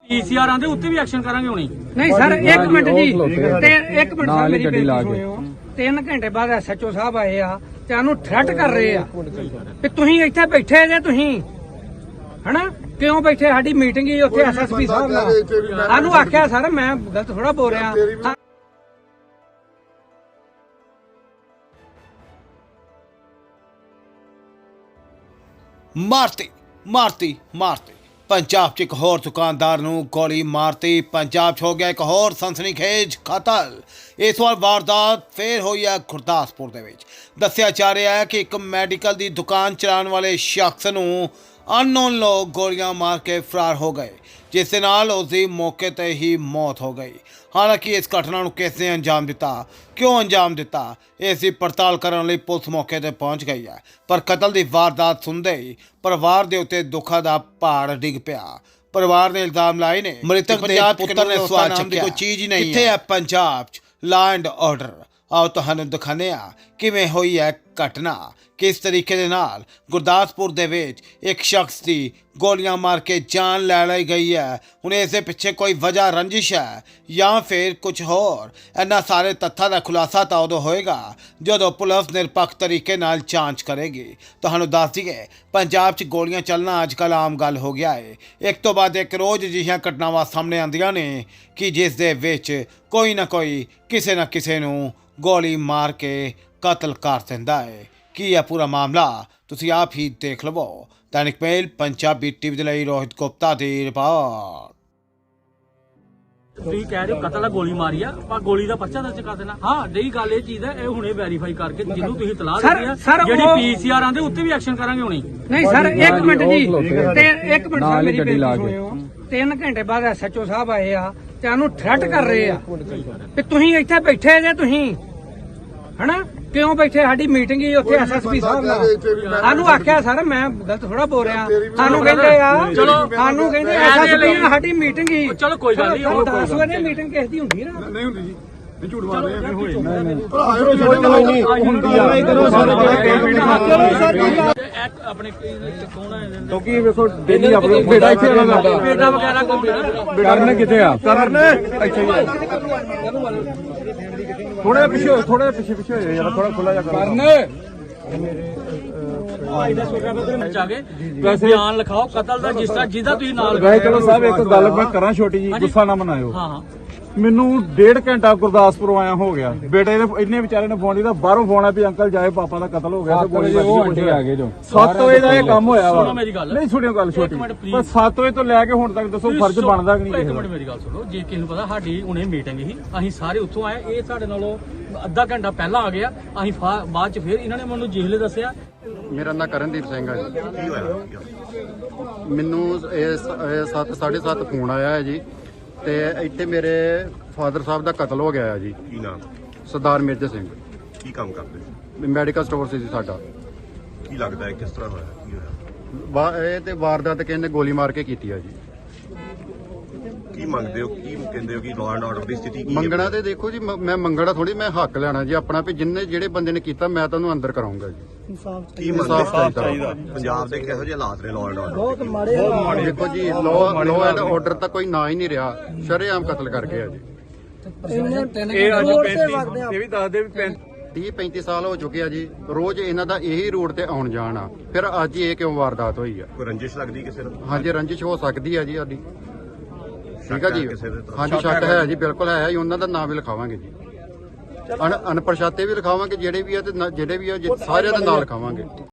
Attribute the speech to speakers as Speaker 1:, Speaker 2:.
Speaker 1: ਪੀਸੀਆਰਾਂ ਦੇ ਉੱਤੇ ਵੀ ਐਕਸ਼ਨ ਕਰਾਂਗੇ ਹੁਣੀ।
Speaker 2: ਨਹੀਂ ਸਰ 1 ਮਿੰਟ ਜੀ, ਤੇ 1 ਮਿੰਟ ਸਰ ਮੇਰੀ ਬੇਨਤੀ ਸੁਣਿਓ। 3 ਘੰਟੇ ਬਾਅਦ ਐਸਐਚਓ ਸਾਹਿਬ ਆਏ ਆ ਤੇ ਉਹਨੂੰ ਥ੍ਰੈਟ ਕਰ ਰਹੇ ਆ ਕਿ ਤੁਸੀਂ ਇੱਥੇ ਬੈਠੇ ਜੇ, ਤੁਸੀਂ ਹਨਾ ਕਿਉਂ ਬੈਠੇ? ਸਾਡੀ ਮੀਟਿੰਗ ਹੀ ਉੱਥੇ ਐਸਐਸਪੀ ਸਾਹਿਬ ਨਾਲ, ਸਾਨੂੰ ਆਖਿਆ ਸਰ ਮੈਂ ਗਲਤ ਥੋੜਾ ਬੋਲ ਰਿਹਾ।
Speaker 3: ਮਾਰਤੀ पंजाब च एक होर दुकानदार नूं गोली मारती। पंजाब च हो गया एक होर सनसनीखेज कतल। इस वार वारदात फिर हुई है गुरदासपुर दे विच। दस्सिया जा रहा है कि एक मैडिकल दी दुकान चलाने वाले शख्स नूं अननोन लोग गोलियां मार के फरार हो गए, जिस दे नाल उसदी मौके ते ही मौत हो गई। हालांकि इस घटना नूं किस ने अंजाम दिता, क्यों अंजाम दिता, इस दी पड़ताल करने लई पुलिस मौके ते पहुंच गई है। पर कतल दी वारदात सुनदे ही परिवार दे उत्ते दुखा दा पहाड़ डिग पिया। परिवार ने इल्जाम लाए ने मृतक दे पुत्र ने सवाल चुक्या, कोई चीज ही नहीं किथे है पंजाब च लॉ एंड ऑर्डर। आओ तुहानू दिखाने आ किवें होई है घटना, किस तरीके दे नाल गुरदासपुर दे विच एक शख्स दी गोलियां मार के जान लै लई गई है। हुण इस दे पिछे कोई वजह रंजिश है या फिर कुछ होर? इन्हां सारे तत्थां दा खुलासा तां उदों होएगा जदों पुलिस निरपक्ष तरीके नाल जांच करेगी। तुहानू दस दईए पंजाब च गोलियां चलना अजकल आम गल हो गया है। एक तो बाद एक रोज़ अजिहियां घटनावां सामने आंदियां ने कि जिस दे विच कोई ना कोई किसे ना किसे नूं गोली मार के कतल कर दिंदा है। की है पूरा मामला तुसीं आप ही देख लवो। दैनिक मेल पंजाबी टीवी दे लई रोहित गुप्ता दी रिपोर्ट।
Speaker 1: ਤੁਸੀਂ ਕਹਿ ਰਹੇ ਹੋ ਕਤਲ ਆ, ਗੋਲੀ ਮਾਰੀ ਆ, ਆਪਾਂ ਗੋਲੀ ਦਾ ਪਰਚਾ ਦਰਜ ਕਰ ਦੇਣਾ। ਹਾਂ ਜਿਹੜੀ ਗੱਲ ਇਹ ਚੀਜ਼ ਹੈ, ਇਹ ਹੁਣੇ ਵੈਰੀਫਾਈ ਕਰਕੇ ਜਿਹਨੂੰ ਤੁਸੀਂ ਇਤਲਾਹ ਦਿੱਤੀ ਆ, ਜਿਹੜੀ ਪੀਸੀਆਰਾਂ ਦੇ ਉੱਤੇ ਵੀ ਐਕਸ਼ਨ ਕਰਾਂਗੇ ਹੁਣੀ।
Speaker 2: ਨਹੀਂ ਸਰ 1 ਮਿੰਟ ਜੀ, ਤੇ 1 ਮਿੰਟ ਸਰ ਮੇਰੀ ਬੇਨਤੀ ਸੁਣਿਓ। 3 ਘੰਟੇ ਬਾਅਦ ਐਸਐਚਓ ਸਾਹਿਬ ਆਏ ਆ ਤੇ ਉਹਨੂੰ ਥ੍ਰੈਟ ਕਰ ਰਹੇ ਆ ਕਿ ਤੁਸੀਂ ਇੱਥੇ ਬੈਠੇ ਜੇ, ਤੁਸੀਂ ਹਨਾ ਕਿਉਂ ਬੈਠੇ? ਸਾਡੀ ਮੀਟਿੰਗ ਹੀ ਉੱਥੇ ਐਸਐਸਪੀ ਸਾਹਿਬ ਨਾਲ, ਸਾਨੂੰ ਆਖਿਆ ਸਰ ਮੈਂ ਗਲਤ ਥੋੜਾ ਬੋਲ ਰਿਹਾ। ਸਾਨੂੰ ਕਹਿੰਦੇ ਆ, ਸਾਨੂੰ ਕਹਿੰਦੇ ਐਸਐਸਪੀ ਨਾਲ ਸਾਡੀ ਮੀਟਿੰਗ ਹੀ।
Speaker 1: ਚਲੋ ਕੋਈ ਗੱਲ ਨਹੀਂ,
Speaker 2: 10 ਵਜੇ ਮੀਟਿੰਗ ਕਿਸ ਦੀ ਹੁੰਦੀ ਨਾ?
Speaker 4: ਨਹੀਂ ਹੁੰਦੀ ਜੀ, ਨਹੀਂ ਝੂਠ ਮਾਰ ਰਹੇ ਹੋਏ
Speaker 1: ਆਪਣੇ ਕੌਣ ਹੈ
Speaker 4: ਕਿਉਂਕਿ ਵੇਖੋ ਡੇਲੀ ਆਪਣੇ ਬੇਟਾ ਇੱਥੇ ਆਉਂਦਾ,
Speaker 1: ਬੇਟਾ ਵਗੈਰਾ ਕੋਈ
Speaker 4: ਕਰਨ ਕਿੱਥੇ ਆ? ਕਰਨ ਇੱਥੇ ਹੀ ਥੋੜਾ ਪਿੱਛੇ ਹੋ, ਥੋੜਾ ਪਿੱਛੇ ਹੋ ਯਾਰ, ਥੋੜਾ ਖੁੱਲਾ ਜਾ ਕਰਨ।
Speaker 1: ਬਿਆਨ ਲਿਖਾਓ ਕਤਲ ਦਾ, ਜਿਸ ਤਰ੍ਹਾਂ ਜਿਹਦਾ ਤੁਸੀਂ ਨਾਲ
Speaker 4: ਗਏ। ਚਲੋ ਸਾਹਿਬ ਇੱਕ ਗੱਲ ਮੈਂ ਕਰਾਂ ਛੋਟੀ ਜੀ, ਗੁੱਸਾ ਨਾ ਮਨਾਇਓ।
Speaker 1: ਹਾਂ
Speaker 4: ਮੈਨੂੰ 1.5 ਘੰਟਾ ਗੁਰਦਾਸਪੁਰ ਆਇਆ ਹੋ ਗਿਆ। ਬੇਟੇ ਨੇ ਇੰਨੇ ਵਿਚਾਰੇ ਨੇ ਫੋਨ ਕੀਤਾ, ਬਾਹਰੋਂ ਫੋਨ ਆ ਵੀ ਅੰਕਲ ਜਾਏ ਪਾਪਾ ਦਾ ਕਤਲ ਹੋ ਗਿਆ ਤੇ ਗੋਲੀ ਵੱਜੀ ਆ ਗਏ ਜੋ 7 ਵਜੇ ਦਾ ਇਹ ਕੰਮ ਹੋਇਆ ਵਾ। ਨਹੀਂ ਸੁਣਿਓ ਗੱਲ ਛੋਟੀ, ਪਰ 7 ਵਜੇ ਤੋਂ ਲੈ ਕੇ ਹੁਣ ਤੱਕ ਦੱਸੋ ਫਰਜ਼ ਬਣਦਾ ਕਿ ਨਹੀਂ ਕਿਸੇ ਦਾ?
Speaker 1: ਮੇਰੀ ਗੱਲ ਸੁਣੋ, ਜੇ ਕਿਸੇ ਨੂੰ ਪਤਾ ਸਾਡੀ ਹੁਣੇ ਮੀਟਿੰਗ ਸੀ, ਅਸੀਂ ਸਾਰੇ ਉੱਥੋਂ ਆਏ, ਇਹ ਸਾਡੇ ਨਾਲੋਂ ਅੱਧਾ ਘੰਟਾ ਪਹਿਲਾਂ ਆ ਗਿਆ। ਅਸੀਂ ਬਾਅਦ ਚ ਫਿਰ ਇਹਨਾਂ ਨੇ ਮੈਨੂੰ ਜਿਹਲੇ ਦੱਸਿਆ।
Speaker 5: ਮੇਰਾ ਨਾਂ ਕਰਨਦੀਪ ਸਿੰਘ ਹੈ ਜੀ। ਕੀ ਹੋਇਆ? ਮੈਨੂੰ 7:30 ਫੋਨ ਆਇਆ ਹੈ ਜੀ, ਤੇ ਇੱਥੇ ਮੇਰੇ ਫਾਦਰ ਸਾਹਿਬ ਦਾ ਕਤਲ ਹੋ ਗਿਆ ਹੈ ਜੀ।
Speaker 6: ਕੀ ਨਾਮ?
Speaker 5: ਸਰਦਾਰ ਮੇਜਰ ਸਿੰਘ।
Speaker 6: ਕੀ ਕੰਮ ਕਰਦੇ ਸੀ?
Speaker 5: ਮੈਡੀਕਲ ਸਟੋਰ ਸੀ ਜੀ ਸਾਡਾ।
Speaker 6: ਕੀ ਲੱਗਦਾ ਹੈ ਕਿਸ ਤਰ੍ਹਾਂ ਹੋਇਆ, ਕੀ ਹੋਇਆ?
Speaker 5: ਇਹ ਤੇ ਵਾਰਦਾਤ ਕਹਿੰਦੇ ਗੋਲੀ ਮਾਰ ਕੇ ਕੀਤੀ ਆ ਜੀ।
Speaker 6: ਕੀ ਮੰਗਦੇ ਹੋ, ਕੀ ਕਹਿੰਦੇ ਹੋ ਕਿ ਲਾਅ ਐਂਡ ਆਰਡਰ ਦੀ ਸਥਿਤੀ ਕੀ ਹੈ?
Speaker 5: ਮੰਗਣਾ ਤੇ ਦੇਖੋ ਜੀ, ਮੈਂ ਮੰਗਣਾ ਥੋੜੀ, ਮੈਂ ਹੱਕ ਲੈਣਾ ਜੀ ਆਪਣਾ, ਵੀ ਜਿਹੜੇ ਬੰਦੇ ਨੇ ਕੀਤਾ ਮੈਂ ਤੁਹਾਨੂੰ ਅੰਦਰ ਕਰਾਉਂਗਾ ਜੀ।
Speaker 6: ਕੀ ਇਨਸਾਫ ਚਾਹੀਦਾ? ਪੰਜਾਬ ਦੇ ਕਿਹੋ ਜਿਹੇ ਹਾਲਾਤ ਨੇ ਲਾਅ ਐਂਡ ਆਰਡਰ?
Speaker 5: ਬਹੁਤ ਮਾੜੇ। ਦੇਖੋ ਜੀ ਲਾਅ ਐਂਡ ਆਰਡਰ ਤਾਂ ਕੋਈ ਨਾ ਹੀ ਨਹੀਂ ਰਿਹਾ, ਸ਼ਰੇਆਮ ਕਤਲ ਕਰ ਗਿਆ ਜੀ।
Speaker 4: ਇਹ ਅੱਜ 35 ਇਹ ਵੀ ਦੱਸਦੇ ਵੀ
Speaker 5: 30-35 ਸਾਲ ਹੋ ਚੁੱਕੇ ਆ ਜੀ, ਰੋਜ਼ ਇਹਨਾਂ ਦਾ ਇਹੀ ਰੂਟ ਤੇ ਆਉਣ ਜਾਣ ਆ, ਫਿਰ ਅੱਜ ਇਹ ਕਿਉਂ ਵਾਰਦਾਤ ਹੋਈ ਆ?
Speaker 6: ਕੋਈ ਰੰਜਿਸ਼ ਲੱਗਦੀ ਕਿਸੇ ਨੂੰ?
Speaker 5: ਹਾਂਜੀ ਰੰਜਿਸ਼ ਹੋ ਸਕਦੀ ਆ ਜੀ ਸਾਡੀ। ਠੀਕ ਆ ਜੀ,
Speaker 6: ਕਿਸੇ ਦੇ?
Speaker 5: ਹਾਂਜੀ ਸ਼ੱਕ ਹੈ ਜੀ, ਬਿਲਕੁਲ ਹੈ ਜੀ। ਉਹਨਾਂ ਦਾ ਨਾਮ ਵੀ ਲਿਖਾਵਾਂਗੇ ਜੀ, ਅਨਪਛਾਤੇ ਵੀ ਲਿਖਾਵਾਂਗੇ ਜਿਹੜੇ ਵੀ ਆ, ਤੇ ਜਿਹੜੇ ਵੀ ਆ ਸਾਰਿਆਂ ਦਾ ਨਾਮ ਲਿਖਾਵਾਂਗੇ।